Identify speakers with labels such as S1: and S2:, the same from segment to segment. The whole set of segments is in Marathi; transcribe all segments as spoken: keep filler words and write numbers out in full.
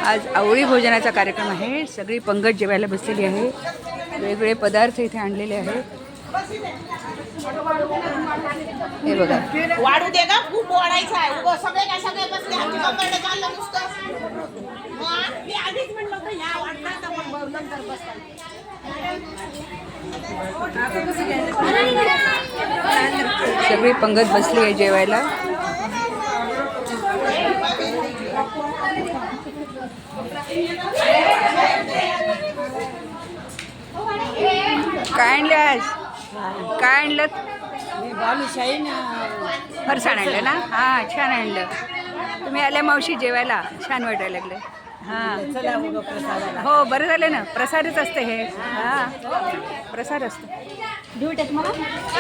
S1: आज आवळी भोजनाचा कार्यक्रम आहे. सगळी पंगत जेवायला बसलेली आहे. वेगवेगळे पदार्थ इथे आणलेले आहेत. हे बघा,
S2: वाढू दे का, खूप वाढायचं आहे. उगं सगळे काय सगळे बसले आमची कंबरडे चाललं नुसतं. मग मी आधीच म्हणलं होतं ह्या वाढणार तर मग नंतर बसतात.
S1: सगळी पंगत बसली आहे जेवायला. काय आणलं आज? काय आणलं?
S2: बालुशाही ना
S1: फरसाण आणलं ना? हां, छान आणलं. तुम्ही आल्या मावशी जेवायला, छान वाटायला लागलं. हां,
S2: चला उगं प्रसादाला.
S1: हो, बरं झालं ना. प्रसादच असते हे. हां, प्रसाद असतो.
S2: देऊ टाक मला.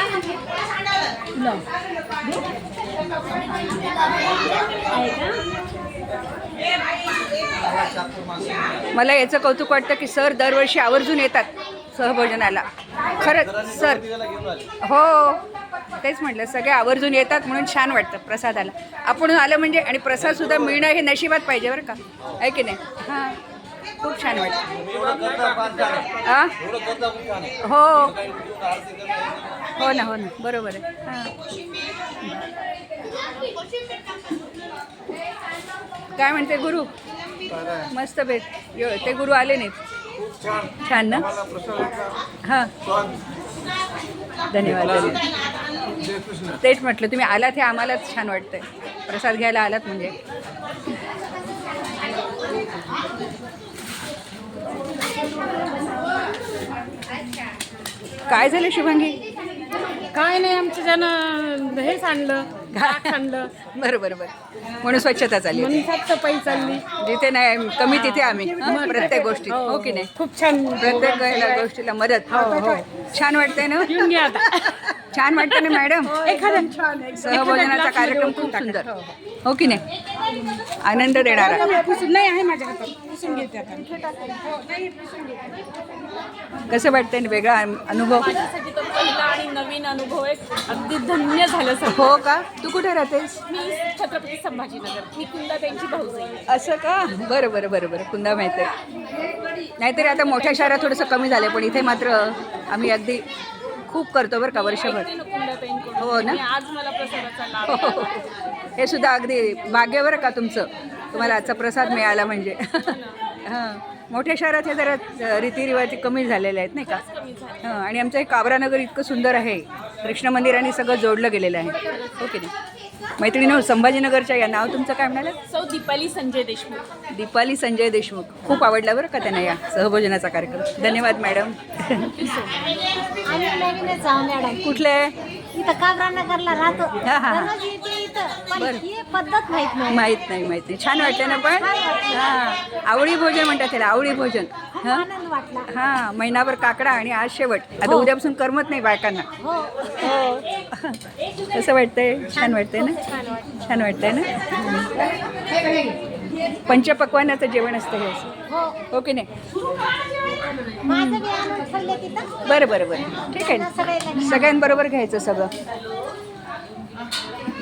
S1: मला याचं कौतुक वाटतं की सर दरवर्षी आवर्जून येतात सहभोजनाला. खरंच सर, हो तेच म्हटलं, सगळे आवर्जून येतात म्हणून छान वाटतं प्रसादाला. आपण आलं म्हणजे, आणि प्रसादसुद्धा मिळणं हे नशिबात पाहिजे बरं का, आहे की नाही? हां, खूप छान वाटतं. हां, हो हो ना, हो ना, बरोबर आहे. हां, काय म्हणते गुरु? मस्त भेट. ते गुरु आले नाहीत. छान ना? हां, धन्यवाद धन्यवाद. तेच म्हटलं, तुम्ही आलात हे आम्हालाच छान वाटतंय. प्रसाद घ्यायला आलात म्हणजे. काय झालं शुभांगी?
S2: काय नाही, आमच्या जण हेच आणलं, घाट आणलं.
S1: बरं बरं बरं, म्हणून स्वच्छता चालली होती.
S2: म्हणून साफसफाई चालली.
S1: जिथे नाही कमी तिथे आम्ही, प्रत्येक गोष्टी, हो की नाही?
S2: खूप छान,
S1: प्रत्येक वेळेला गोष्टीला मदत. हो हो, छान वाटतंय ना?
S2: येऊन घ्या आता.
S1: छान वाटतं ना मॅडम?
S2: एखादं छान
S1: सहभोजनाचा कार्यक्रम खूप सुंदर, हो की नाही? आनंद देणारा.
S2: नाही आहे माझ्या हातात, पुसून घेते आता.
S1: कसं वाटतंय ना, वेगळा अनुभव?
S2: माझ्यासाठी तो पहिला आणि नवीन अनुभव आहे. अगदी धन्य झालं सर.
S1: हो का? तू कुठे राहतेस? मी
S2: छत्रपती संभाजीनगर. मी कुंदाताईंची भाऊजाई आहे.
S1: असं का? बरं बरं बरं बरं, कुंदा माहिती आहे. नाहीतरी आता मोठ्या शहरात थोडंसं कमी झालं, पण इथे मात्र आम्ही अगदी खूप करतो बरं का, वर्षभर. हो ना?
S2: आज मला प्रसादाचा लाभ.
S1: हो, हो, हो. हे सुद्धा अगदी भाग्य बरं का तुमचं, तुम्हाला आजचा प्रसाद मिळाला म्हणजे. हां, मोठ्या शहरात हे जरा रीतिरिवाज कमी झालेले आहेत नाही का? हां, आणि आमचं हे काबरानगर इतकं सुंदर आहे, कृष्ण मंदिराने सगळं जोडलं गेलेलं आहे, हो की नाही? मैत्रिणी, संभाजीनगरच्या या, नाव तुमचं काय म्हणालं?
S2: सौ दीपाली संजय देशमुख.
S1: दीपाली संजय देशमुख. खूप आवडला बरं का त्यांना या सहभोजनाचा कार्यक्रम. धन्यवाद मॅडम.
S3: आम्ही नवीनच आहो मॅडम.
S1: कुठले?
S3: इथं काबरानगरला राहतो.
S1: हा, हा.
S3: दररोज येते इथं, पण
S1: बरं.
S3: ही पद्धत माहित नाही.
S1: माहीत नाही, माहीत नाही. छान वाटलं ना पण? हां, आवळी भोजन म्हणतात त्याला, आवळी भोजन.
S3: खूप
S1: हां
S3: आनंद वाटला.
S1: हां, महिनाभर काकडा आणि आज शेवट. आता उद्यापासून करमत नाही बायकांना.
S3: हो,
S1: हो. कसं वाटतंय? छान वाटतंय ना? छान वाटतंय ना? पंचपक्वान्नाचं जेवण असतं हे असं,
S3: हो.
S1: हो की नाही?
S3: माझं बी आणून ठेवलं तिथं.
S1: बरं बरं बरं, ठीक आहे ना.
S3: सगळ्यांना
S1: सगळ्यांबरोबर घ्यायचं सगळं.